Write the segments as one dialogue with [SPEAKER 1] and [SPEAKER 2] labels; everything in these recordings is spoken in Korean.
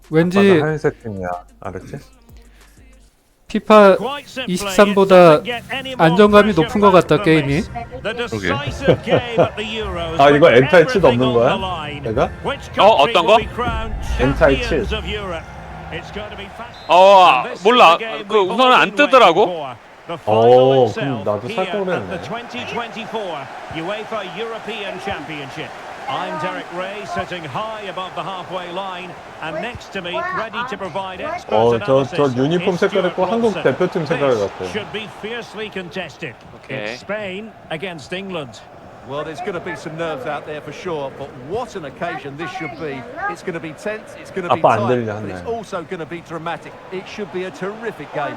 [SPEAKER 1] 왠지
[SPEAKER 2] 하얀색 팀이야. 알았지?
[SPEAKER 1] 피파 23보다 안정감이 높은 것 같다 게임이.
[SPEAKER 3] 그러게.
[SPEAKER 2] 아 이거 엔타이 칠도 없는 거야? 내가?
[SPEAKER 4] 어떤 거?
[SPEAKER 2] 엔타이 칠.
[SPEAKER 4] 몰라. 그 우선은 안 뜨더라고.
[SPEAKER 2] 그럼 나도 살 걸 그랬네.
[SPEAKER 5] I'm Derek Ray, sitting high above the halfway line, and next to me, ready to provide expert analysis.
[SPEAKER 2] 저 유니폼 색깔 있고 한국 대표팀 색깔 같아.
[SPEAKER 5] Should be fiercely contested.
[SPEAKER 4] Okay.
[SPEAKER 5] It's Spain against England.
[SPEAKER 6] Well, there's going to be some nerves out there for sure, but what an occasion this should be. It's going to be tense, it's going to be
[SPEAKER 2] 아빠 안
[SPEAKER 6] tight,
[SPEAKER 2] 들려,
[SPEAKER 6] but it's
[SPEAKER 2] 하네.
[SPEAKER 6] also going to be dramatic. It should be a terrific game.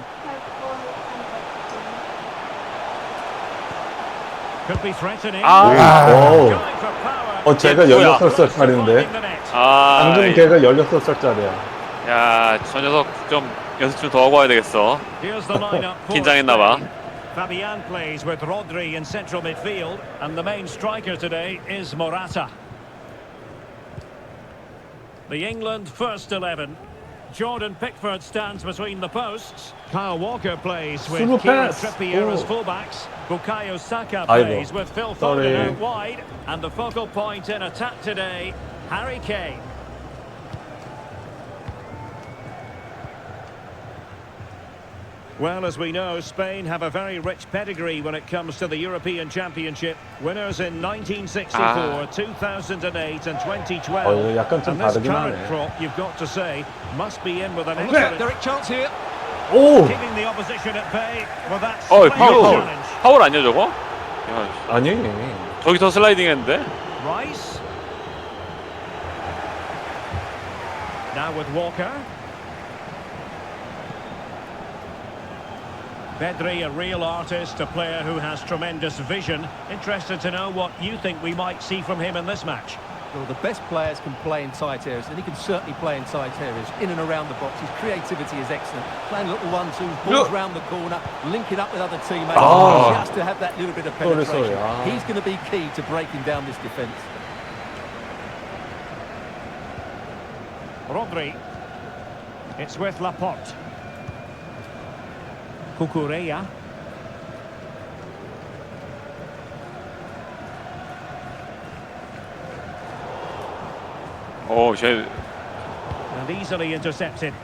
[SPEAKER 5] Could be threatening.
[SPEAKER 2] 오.
[SPEAKER 5] Going for power.
[SPEAKER 2] 제가
[SPEAKER 4] 뭐야?
[SPEAKER 2] 16살짜리인데.
[SPEAKER 5] Finding the net.
[SPEAKER 2] 방금 걔가 16살짜리야.
[SPEAKER 4] 야, 저 녀석 좀 연습 좀 더 하고 와야 되겠어.
[SPEAKER 5] Here's the lineup for
[SPEAKER 4] 긴장했나봐.
[SPEAKER 5] Spain. Fabian plays with Rodri in central midfield, and the main striker today is Morata. The England first 11. Jordan Pickford stands between the posts. Kyle Walker plays with
[SPEAKER 2] Super
[SPEAKER 5] Kieran
[SPEAKER 2] pass.
[SPEAKER 5] Trippier as
[SPEAKER 2] Oh.
[SPEAKER 5] fullbacks. Bukayo Saka
[SPEAKER 2] Aibo.
[SPEAKER 5] plays with Phil
[SPEAKER 2] Sorry.
[SPEAKER 5] Foden out wide. And the focal point in attack today, Harry Kane. Well, as we know, Spain have a very rich pedigree when it comes to the European Championship. Winners in 1964, 2008 and 2012.
[SPEAKER 2] 이거 약간 좀
[SPEAKER 5] And this
[SPEAKER 2] 다르긴
[SPEAKER 5] current
[SPEAKER 2] 하네.
[SPEAKER 5] crop, you've got to say, must be in with an excellent...
[SPEAKER 6] Derek, chance here.
[SPEAKER 2] 오!
[SPEAKER 5] Keeping the opposition at bay with that
[SPEAKER 4] 파울,
[SPEAKER 5] splendid
[SPEAKER 4] 파울.
[SPEAKER 5] challenge.
[SPEAKER 4] 파울 아니야 저거? 야,
[SPEAKER 2] 아니.
[SPEAKER 4] 저기서 슬라이딩 했는데?
[SPEAKER 5] Rice. Now with Walker. Pedri, a real artist, a player who has tremendous vision. Interested to know what you think we might see from him in this match.
[SPEAKER 6] Well, the best players can play in tight areas, and he can certainly play in tight areas, in and around the box. His creativity is excellent. Playing little 1-2, balls round the corner, linking up with other teammates, just to have that little bit of penetration.
[SPEAKER 2] sorry.
[SPEAKER 6] He's going to be key to breaking down this defence.
[SPEAKER 5] Rodri. It's with Laporte. Cucurella.
[SPEAKER 4] 쟤
[SPEAKER 5] And easily intercepted.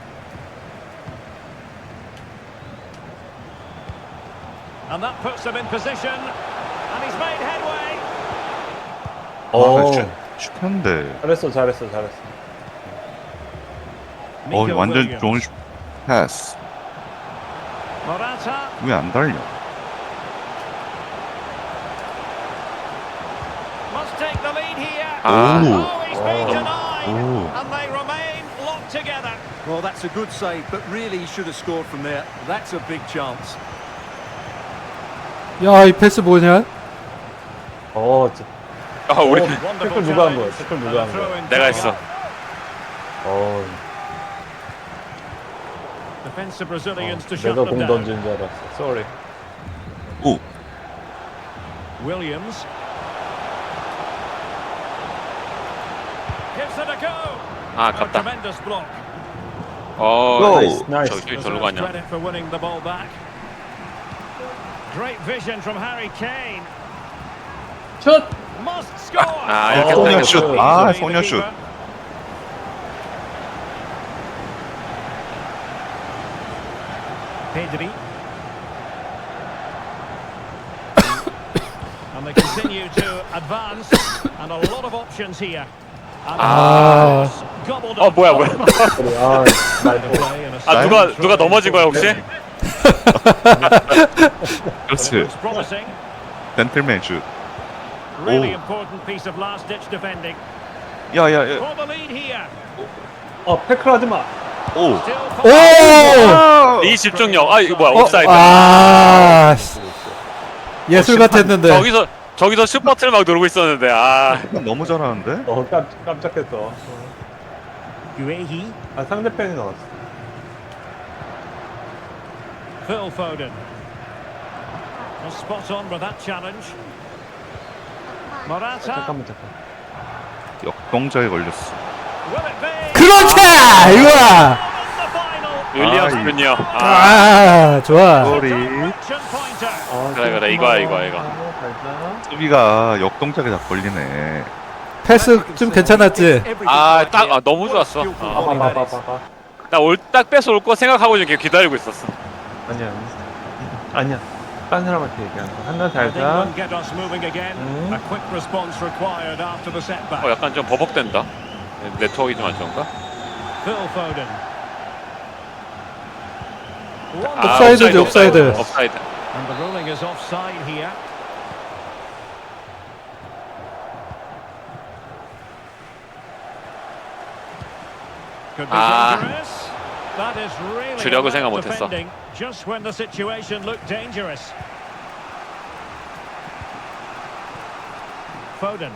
[SPEAKER 5] And that puts them in position. And he's made headway.
[SPEAKER 3] 슈퍼인데.
[SPEAKER 2] 잘했어.
[SPEAKER 5] Nico
[SPEAKER 3] 완전
[SPEAKER 5] Williams.
[SPEAKER 3] 좋은 패스.
[SPEAKER 5] Morata.
[SPEAKER 3] 왜 안 달려?
[SPEAKER 5] Must take the lead here.
[SPEAKER 3] 오.
[SPEAKER 5] Oh, he's been denied.
[SPEAKER 3] 오.
[SPEAKER 5] And they remain locked together.
[SPEAKER 6] Well, that's a good save, but really he should have scored from there. That's a big chance.
[SPEAKER 1] 야, 이 패스 뭐냐?
[SPEAKER 4] 우리
[SPEAKER 2] 태클 누가 한 거야? 태클 누가 한 거야?
[SPEAKER 4] 내가 했어.
[SPEAKER 5] Defensive Brazilians to shut
[SPEAKER 2] 내가
[SPEAKER 5] them
[SPEAKER 2] 공
[SPEAKER 5] down.
[SPEAKER 2] 던진 줄 알았어. Sorry.
[SPEAKER 3] 오.
[SPEAKER 5] Williams. Gives it a go. A
[SPEAKER 4] 아깝다.
[SPEAKER 5] tremendous block.
[SPEAKER 2] 나이스.
[SPEAKER 4] 저기 절로 가냐?
[SPEAKER 5] Credit for winning the ball back. Great vision from Harry Kane.
[SPEAKER 2] 슛!
[SPEAKER 5] Must score.
[SPEAKER 4] 이렇게
[SPEAKER 3] 소녀
[SPEAKER 4] 땡겼어.
[SPEAKER 3] 슛. 소녀 슛.
[SPEAKER 5] Pedri. And they continue to advance, and a lot of options here. And gobbled up.
[SPEAKER 4] 뭐야.
[SPEAKER 5] Play and a
[SPEAKER 4] 누가 넘어진 거야 혹시?
[SPEAKER 3] 그렇지.
[SPEAKER 5] looks promising.
[SPEAKER 3] 젠틀맨 슛.
[SPEAKER 5] Really important piece of last-ditch defending.
[SPEAKER 3] 야야야.
[SPEAKER 5] For the lead here.
[SPEAKER 2] 태클 하지 마.
[SPEAKER 3] 오.
[SPEAKER 5] Still
[SPEAKER 1] 오!
[SPEAKER 4] 이 집중력. 이거 뭐야? 옵사이드.
[SPEAKER 1] 예술 같았는데.
[SPEAKER 4] 저기서 슈퍼트를 막 누르고 있었는데.
[SPEAKER 3] 너무 잘하는데?
[SPEAKER 2] 깜짝했어.
[SPEAKER 5] Guehi.
[SPEAKER 2] 상대편이 나왔어.
[SPEAKER 5] Phil Foden. Well, spot on with that challenge. Morata.
[SPEAKER 2] 잠깐.
[SPEAKER 3] 역동작에 걸렸어.
[SPEAKER 5] Will it be?
[SPEAKER 1] 그렇지! 이거야.
[SPEAKER 4] 윌리엄스군요.
[SPEAKER 1] 좋아.
[SPEAKER 3] 소리.
[SPEAKER 4] 그래 이거야.
[SPEAKER 3] 수비가 역동작에 다 걸리네.
[SPEAKER 1] 패스 좀 괜찮았지.
[SPEAKER 4] 너무 좋았어.
[SPEAKER 2] 봐봐.
[SPEAKER 4] 나 딱 뺏어 올 거 생각하고 지금 기다리고 있었어.
[SPEAKER 2] 아니야. 딴 사람한테 얘기하는 거. 한나
[SPEAKER 5] I think
[SPEAKER 2] 잘자.
[SPEAKER 5] we'll get us moving again. A quick response required after the setback.
[SPEAKER 4] 약간 좀 버벅된다. 네트워크가 좀 안 좋은가?
[SPEAKER 5] Phil Foden.
[SPEAKER 1] 옵사이드지, 옵사이드.
[SPEAKER 4] 옵사이드.
[SPEAKER 5] And the ruling is offside here. Could be dangerous. That is really
[SPEAKER 4] 주력을 생각
[SPEAKER 5] alert
[SPEAKER 4] 못했어.
[SPEAKER 5] defending just when the situation looked dangerous. Foden.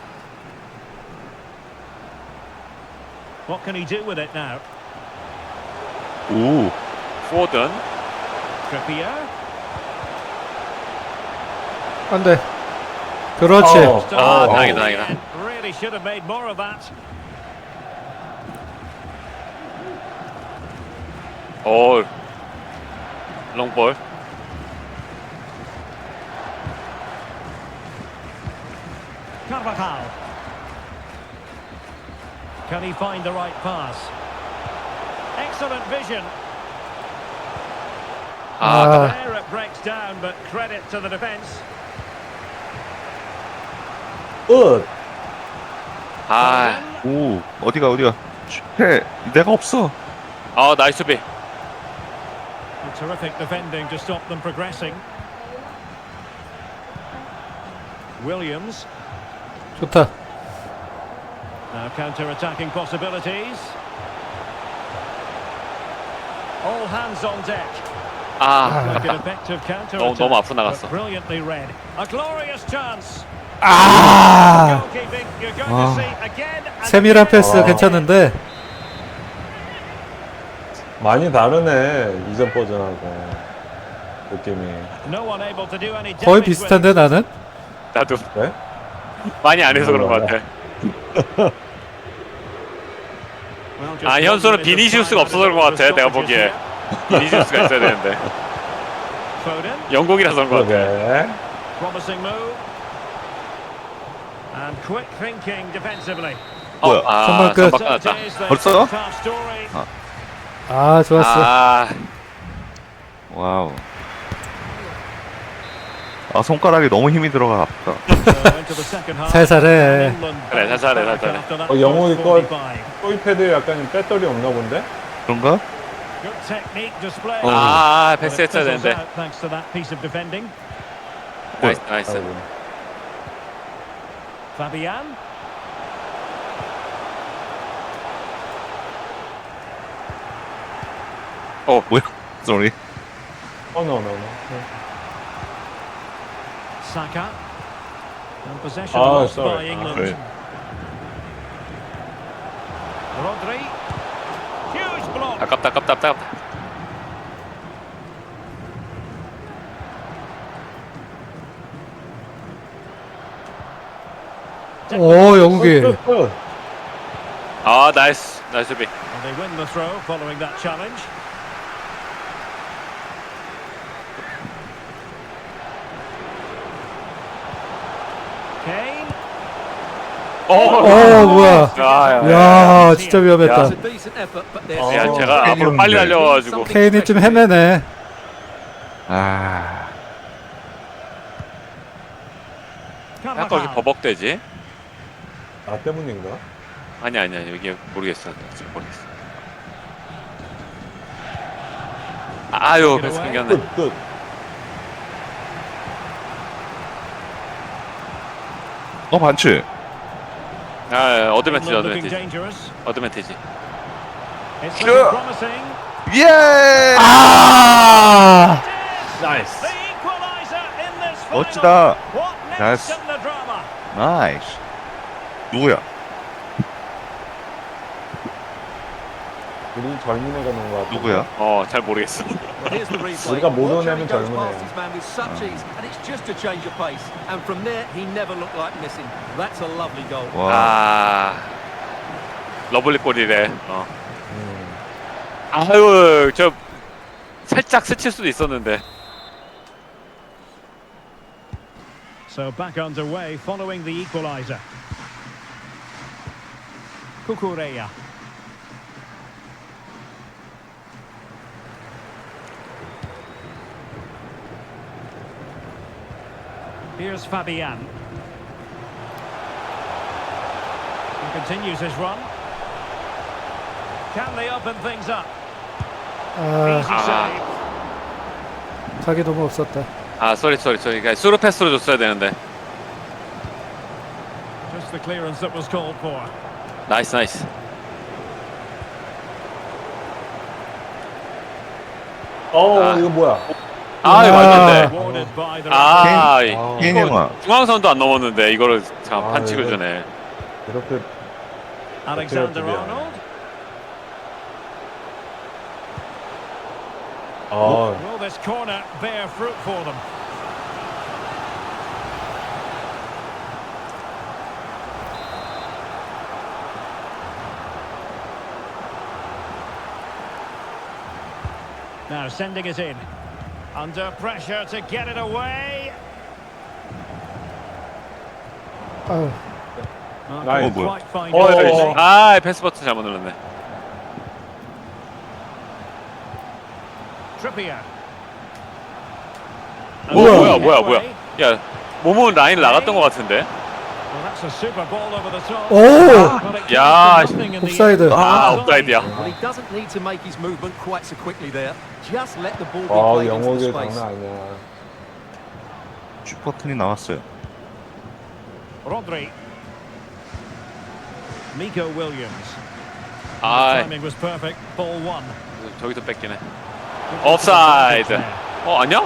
[SPEAKER 5] What can he do with it now?
[SPEAKER 3] 오.
[SPEAKER 4] 포든.
[SPEAKER 5] Trippier.
[SPEAKER 1] 안 돼. 그렇지.
[SPEAKER 4] 다행이다.
[SPEAKER 5] Really should have made more of that.
[SPEAKER 4] 롱볼.
[SPEAKER 5] Carvajal. Can he find the right pass? Excellent vision. There it breaks down, but credit to the defence.
[SPEAKER 2] 끝.
[SPEAKER 3] 오. 어디가. 해. 내가 없어.
[SPEAKER 4] 나이스 수비.
[SPEAKER 5] Terrific defending to stop them progressing. Williams.
[SPEAKER 1] 좋다.
[SPEAKER 5] Now counter-attacking possibilities. All hands on deck. Like an effective counter-attack.
[SPEAKER 4] 너무 앞으로 나갔어.
[SPEAKER 5] but brilliantly read. A glorious chance.
[SPEAKER 1] 아.
[SPEAKER 5] Goalkeeping, you're going to see again and
[SPEAKER 1] 세밀한
[SPEAKER 5] again.
[SPEAKER 1] 패스 괜찮은데.
[SPEAKER 2] 많이 다르네. 이전 버전하고 느낌이.
[SPEAKER 5] No one able to do any
[SPEAKER 1] 거의
[SPEAKER 5] damage with
[SPEAKER 1] 비슷한데 나는.
[SPEAKER 4] 나도
[SPEAKER 2] 네?
[SPEAKER 4] 많이 안 해서 그런 것 같아.
[SPEAKER 5] Well, just
[SPEAKER 4] 현수는
[SPEAKER 5] 1 minute of
[SPEAKER 4] 비니시우스가
[SPEAKER 5] time
[SPEAKER 4] 없어서 그런 것 같아.
[SPEAKER 5] added
[SPEAKER 4] 내가
[SPEAKER 5] on to
[SPEAKER 4] 보기에
[SPEAKER 5] stoppages
[SPEAKER 4] 비니시우스가 있어야 되는데
[SPEAKER 5] here. Foden,
[SPEAKER 4] 영국이라서 그런 것 같아.
[SPEAKER 2] 그러게.
[SPEAKER 5] promising move. And quick thinking defensively.
[SPEAKER 3] 뭐야?
[SPEAKER 1] 선발 끝.
[SPEAKER 5] So it
[SPEAKER 4] 끝났다.
[SPEAKER 5] is the
[SPEAKER 3] 벌써?
[SPEAKER 5] first half story.
[SPEAKER 1] 좋았어.
[SPEAKER 3] 와우. 손가락에 너무 힘이 들어가 아프다.
[SPEAKER 5] So into the second half.
[SPEAKER 1] 살살해.
[SPEAKER 5] England
[SPEAKER 4] 그래, 살살해,
[SPEAKER 5] back
[SPEAKER 4] 살살해.
[SPEAKER 5] after that
[SPEAKER 2] 영웅이
[SPEAKER 5] first
[SPEAKER 2] 거
[SPEAKER 5] 45.
[SPEAKER 2] 토이패드에 약간 배터리 없나 본데?
[SPEAKER 3] 그런가?
[SPEAKER 5] Good technique display.
[SPEAKER 4] 패스
[SPEAKER 5] But it
[SPEAKER 4] 했어야
[SPEAKER 5] fizzles
[SPEAKER 4] 되는데.
[SPEAKER 5] out thanks to that piece of defending.
[SPEAKER 4] 나이스.
[SPEAKER 2] 아이고.
[SPEAKER 5] Fabian.
[SPEAKER 3] 뭐야? 쏘리.
[SPEAKER 2] 노.
[SPEAKER 5] Saka. And possession lost
[SPEAKER 2] sorry.
[SPEAKER 5] by England.
[SPEAKER 3] 그래.
[SPEAKER 5] Rodri. Huge block.
[SPEAKER 4] 아깝다.
[SPEAKER 1] 영국이.
[SPEAKER 2] 끝.
[SPEAKER 4] 나이스 수비.
[SPEAKER 5] And they win the throw following that challenge. Kane.
[SPEAKER 1] 뭐야. 야, 진짜 위험했다.
[SPEAKER 6] It's a decent effort, but there's
[SPEAKER 4] 야, 제가
[SPEAKER 3] 케인이
[SPEAKER 4] 앞으로 빨리
[SPEAKER 3] 없는데.
[SPEAKER 4] 달려가지고
[SPEAKER 1] 케인이 좀 헤매네.
[SPEAKER 4] 약간 이렇게 버벅대지?
[SPEAKER 2] 나 때문인가?
[SPEAKER 4] 아니야 여기 모르겠어. 지금 모르겠어. 패스 끊겼네.
[SPEAKER 2] 끝.
[SPEAKER 3] 반칙.
[SPEAKER 4] 어드밴티지.
[SPEAKER 5] Looking dangerous.
[SPEAKER 4] 어드밴티지.
[SPEAKER 5] It's looking promising.
[SPEAKER 3] 예!
[SPEAKER 2] 나이스.
[SPEAKER 5] The equalizer in this final.
[SPEAKER 3] 멋지다.
[SPEAKER 5] What next
[SPEAKER 3] 나이스.
[SPEAKER 5] in the drama?
[SPEAKER 3] 나이스. 누구야?
[SPEAKER 2] 우리 젊은 애가 넣은 거 같아.
[SPEAKER 3] 누구야?
[SPEAKER 4] 잘 모르겠어.
[SPEAKER 6] Here's the replay.
[SPEAKER 2] 우리가 못
[SPEAKER 6] Watch how
[SPEAKER 2] 오냐면
[SPEAKER 6] he goes
[SPEAKER 2] 젊은
[SPEAKER 6] past
[SPEAKER 2] 애야.
[SPEAKER 6] his man with such ease, and it's just a change of pace. And from there, he never looked like missing. That's a lovely goal.
[SPEAKER 3] 와.
[SPEAKER 4] 러블리 골이래. 아유, 저 살짝 스칠 수도 있었는데.
[SPEAKER 5] So back underway following the equaliser. Cucurella. Here's Fabian. He continues his run. Can they open things up?
[SPEAKER 1] 아,
[SPEAKER 5] Easy save.
[SPEAKER 1] 각이 너무 없었다.
[SPEAKER 4] 아, 쏘리. 그러니까 스루 패스로 줬어야 되는데.
[SPEAKER 5] Just the clearance that was called for.
[SPEAKER 4] 나이스. 아.
[SPEAKER 2] 이거 뭐야?
[SPEAKER 4] 맞는데.
[SPEAKER 5] Awarded by the
[SPEAKER 3] 케인 형아.
[SPEAKER 4] 중앙선도 안 넘었는데 이거를 참 반칙을
[SPEAKER 2] 이거-
[SPEAKER 4] 주네.
[SPEAKER 2] 이렇게
[SPEAKER 5] Alexander
[SPEAKER 2] 어때요,
[SPEAKER 5] Arnold. Will this corner bear fruit for them? Now sending it in. Under pressure to get it away.
[SPEAKER 1] 아유,
[SPEAKER 2] 나이스.
[SPEAKER 3] 뭐야?
[SPEAKER 5] Quite fine.
[SPEAKER 4] 패스 버튼 잘못 눌렀네.
[SPEAKER 5] Trippier.
[SPEAKER 4] 뭐야. 야, 몸은 라인을 나갔던 것 같은데.
[SPEAKER 5] Well, that's a super ball over the top.
[SPEAKER 1] 오!
[SPEAKER 5] But it
[SPEAKER 4] 야,
[SPEAKER 5] comes to nothing in the
[SPEAKER 1] 옵사이드.
[SPEAKER 5] end.
[SPEAKER 4] 옵사이드야.
[SPEAKER 6] Well, he doesn't need to make his movement quite so quickly there. Just let the ball be
[SPEAKER 2] 와,
[SPEAKER 6] played into the
[SPEAKER 2] 영어계
[SPEAKER 6] space.
[SPEAKER 2] 장난 아니야.
[SPEAKER 3] 슈퍼튼이 나왔어요.
[SPEAKER 5] Rodri. Nico Williams. The
[SPEAKER 4] 아,
[SPEAKER 5] timing was perfect. Ball one.
[SPEAKER 4] 저기서 뺏기네. 옵사이드. 아니야?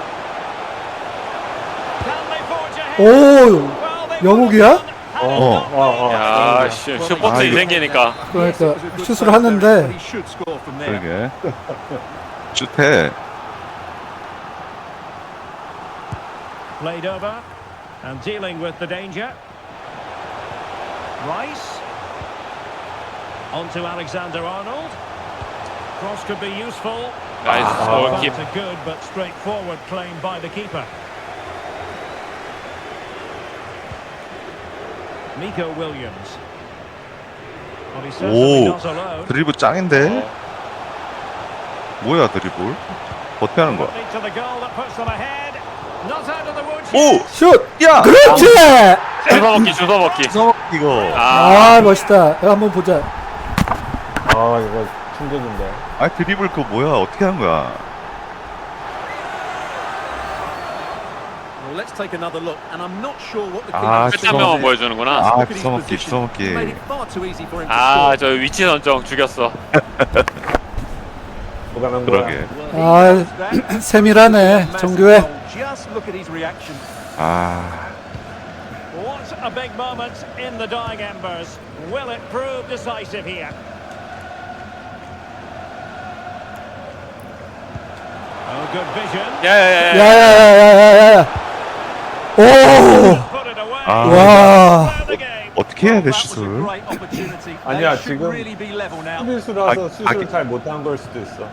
[SPEAKER 5] Can they forge ahead?
[SPEAKER 1] 오,
[SPEAKER 5] Well, they
[SPEAKER 1] 영욱이야?
[SPEAKER 5] would have done.
[SPEAKER 4] 야, 슈퍼튼이 생기니까.
[SPEAKER 1] 그러니까 슛을 하는데
[SPEAKER 6] He should score from there.
[SPEAKER 3] 그러게. 슛해.
[SPEAKER 5] Played over and dealing with the danger. Rice. On to Alexander Arnold. Cross could be useful.
[SPEAKER 4] 나이스. 골킵.
[SPEAKER 5] That's a good but straightforward claim by the keeper. Nico Williams. Well, he certainly
[SPEAKER 3] 오,
[SPEAKER 5] does alone.
[SPEAKER 3] 드리블 짱인데? 뭐야 드리블? 어떻게 하는 거야?
[SPEAKER 5] To the goal that puts them ahead. Not out of the woods.
[SPEAKER 3] 오!
[SPEAKER 1] 슛!
[SPEAKER 3] 야!
[SPEAKER 1] 그렇지!
[SPEAKER 4] 주워먹기.
[SPEAKER 3] 이거.
[SPEAKER 1] 아, 멋있다. 이거 한번 보자.
[SPEAKER 2] 이거 충격인데.
[SPEAKER 3] 아 드리블 그거 뭐야? 어떻게 하는 거야?
[SPEAKER 6] Well, let's take another look, and I'm not sure what the
[SPEAKER 3] 아,
[SPEAKER 6] keeper
[SPEAKER 4] 끝 한 명만 보여주는구나.
[SPEAKER 3] 아,
[SPEAKER 6] Look at his
[SPEAKER 3] 주워먹기,
[SPEAKER 6] position.
[SPEAKER 3] 주워먹기.
[SPEAKER 6] He made it far too easy for him to
[SPEAKER 4] 아,
[SPEAKER 6] score.
[SPEAKER 4] 저 위치 선정 죽였어.
[SPEAKER 2] 뭐가 난 거야?
[SPEAKER 3] 그러게.
[SPEAKER 1] 아, 세밀하네. 정교해.
[SPEAKER 6] Just look at his reaction.
[SPEAKER 3] 아,
[SPEAKER 5] What a big moment in the dying embers. Will it prove decisive here? Oh, good vision.
[SPEAKER 4] 야야야.
[SPEAKER 1] 야야야야야야. 오!
[SPEAKER 5] Put it away.
[SPEAKER 3] 아,
[SPEAKER 1] 와.
[SPEAKER 5] Play the game.
[SPEAKER 3] 어떻게 해야 돼
[SPEAKER 6] That was a
[SPEAKER 3] 슛을?
[SPEAKER 6] great opportunity.
[SPEAKER 2] 아니야,
[SPEAKER 6] They should
[SPEAKER 2] 지금
[SPEAKER 6] really be level now.
[SPEAKER 2] 수비수라서
[SPEAKER 3] 아,
[SPEAKER 2] 슛을 잘 못한 걸 수도 있어.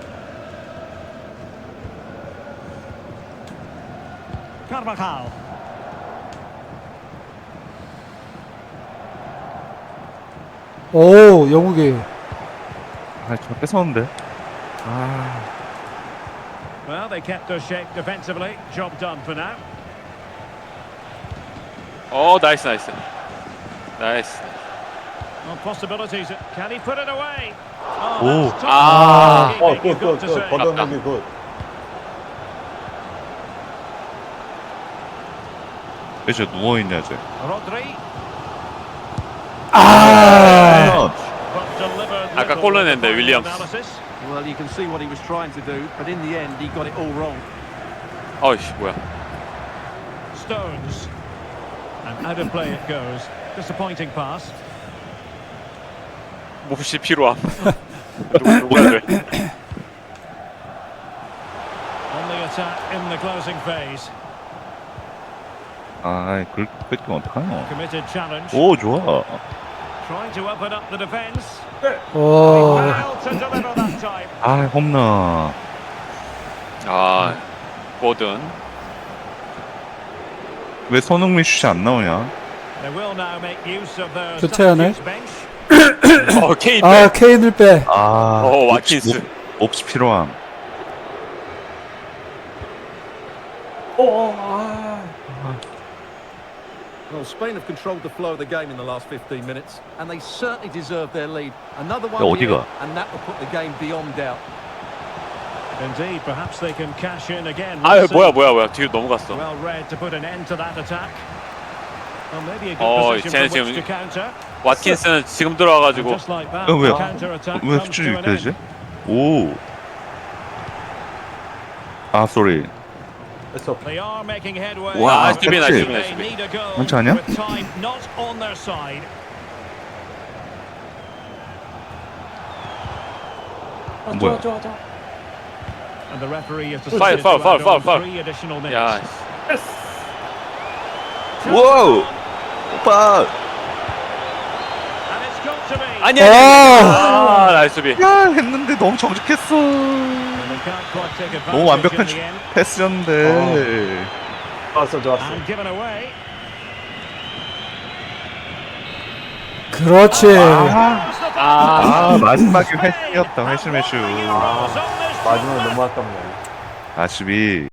[SPEAKER 5] Carvajal.
[SPEAKER 1] 오, 영욱이.
[SPEAKER 3] 아, 저 뺏었는데. 아,
[SPEAKER 5] Well, they kept their shape defensively. Job done for now.
[SPEAKER 4] 나이스.
[SPEAKER 5] Well, possibilities. Can he put it away?
[SPEAKER 3] 오.
[SPEAKER 5] That's top
[SPEAKER 4] 아.
[SPEAKER 5] keeping, you've got to say.
[SPEAKER 2] 걷어내기 굿.
[SPEAKER 3] 왜 저 누워있냐 쟤.
[SPEAKER 5] Rodri.
[SPEAKER 1] 아!
[SPEAKER 5] But delivered
[SPEAKER 4] 아까
[SPEAKER 5] little
[SPEAKER 4] 골
[SPEAKER 5] with
[SPEAKER 4] 넣었는데,
[SPEAKER 5] the
[SPEAKER 4] 윌리엄스.
[SPEAKER 5] analysis.
[SPEAKER 6] Well, you can see what he was trying to do, but in the end, he got it all wrong.
[SPEAKER 4] 어이씨, 뭐야.
[SPEAKER 5] Stones. And out of play it goes. Disappointing pass.
[SPEAKER 4] 몹시 필요함. 누구야 돼?
[SPEAKER 5] On the attack in the closing phase.
[SPEAKER 3] 아, 그렇게 뺏기면 어떡하노?
[SPEAKER 5] Committed challenge.
[SPEAKER 3] 오, 좋아.
[SPEAKER 5] Trying to open up the defence.
[SPEAKER 1] 오.
[SPEAKER 5] Failed to deliver that time. time.
[SPEAKER 3] 아, 홈런.
[SPEAKER 4] 아, 뭐든.
[SPEAKER 3] 왜 손흥민 슛이 안 나오냐?
[SPEAKER 5] They will now make use of their
[SPEAKER 1] 교체하네.
[SPEAKER 5] substitutes bench.
[SPEAKER 4] 케인
[SPEAKER 1] 아, 케인을 빼.
[SPEAKER 3] 아,
[SPEAKER 4] 와킨스.
[SPEAKER 3] 몹시 필요함.
[SPEAKER 6] Well, Spain have controlled the flow of the game in the last 15 minutes, and they certainly deserve their lead. Another one here,
[SPEAKER 3] 어디가?
[SPEAKER 6] and that will put the game beyond doubt.
[SPEAKER 5] Indeed, perhaps they can cash in again.
[SPEAKER 4] 아유,
[SPEAKER 5] We'll see.
[SPEAKER 4] 뭐야. 뒤로 넘어갔어.
[SPEAKER 5] Well read to put an end to that attack. Well, maybe a good
[SPEAKER 4] 어,
[SPEAKER 5] position
[SPEAKER 4] 쟤는
[SPEAKER 5] from which
[SPEAKER 4] 지금
[SPEAKER 5] to counter.
[SPEAKER 4] 왓킨스는 지금
[SPEAKER 5] And
[SPEAKER 4] 들어와가지고
[SPEAKER 5] just like that,
[SPEAKER 3] 왜?
[SPEAKER 5] the counter-attack
[SPEAKER 3] 왜
[SPEAKER 5] comes
[SPEAKER 3] 수준이
[SPEAKER 5] to
[SPEAKER 3] 이렇게
[SPEAKER 5] an
[SPEAKER 3] 되지?
[SPEAKER 5] end.
[SPEAKER 3] 오. 아, 쏘리.
[SPEAKER 5] They are making headway.
[SPEAKER 3] 와,
[SPEAKER 5] But
[SPEAKER 3] 수비,
[SPEAKER 5] they
[SPEAKER 3] 수비.
[SPEAKER 5] need a goal
[SPEAKER 3] 괜찮지 않냐?
[SPEAKER 5] with time not on their side.
[SPEAKER 3] 뭐야?
[SPEAKER 5] And the referee is
[SPEAKER 4] Foul,
[SPEAKER 5] decided
[SPEAKER 4] foul,
[SPEAKER 5] to add
[SPEAKER 4] foul,
[SPEAKER 5] on
[SPEAKER 4] foul.
[SPEAKER 5] 3 additional minutes.
[SPEAKER 4] 야,
[SPEAKER 3] 와우! 오빠!
[SPEAKER 5] And it's got to be.
[SPEAKER 4] 아니야. 아, 나이스 수비.
[SPEAKER 3] 야, 했는데 너무 정직했어.
[SPEAKER 5] And they can't quite take advantage
[SPEAKER 3] 너무 완벽한
[SPEAKER 5] in the end.
[SPEAKER 3] 패스였는데.
[SPEAKER 2] 좋았어.
[SPEAKER 5] And given away.
[SPEAKER 1] 그렇지.
[SPEAKER 3] 아, 마지막에 회심이었다, 회심의 슛.
[SPEAKER 2] 마지막에 너무 아깝네.
[SPEAKER 3] 아쉽이.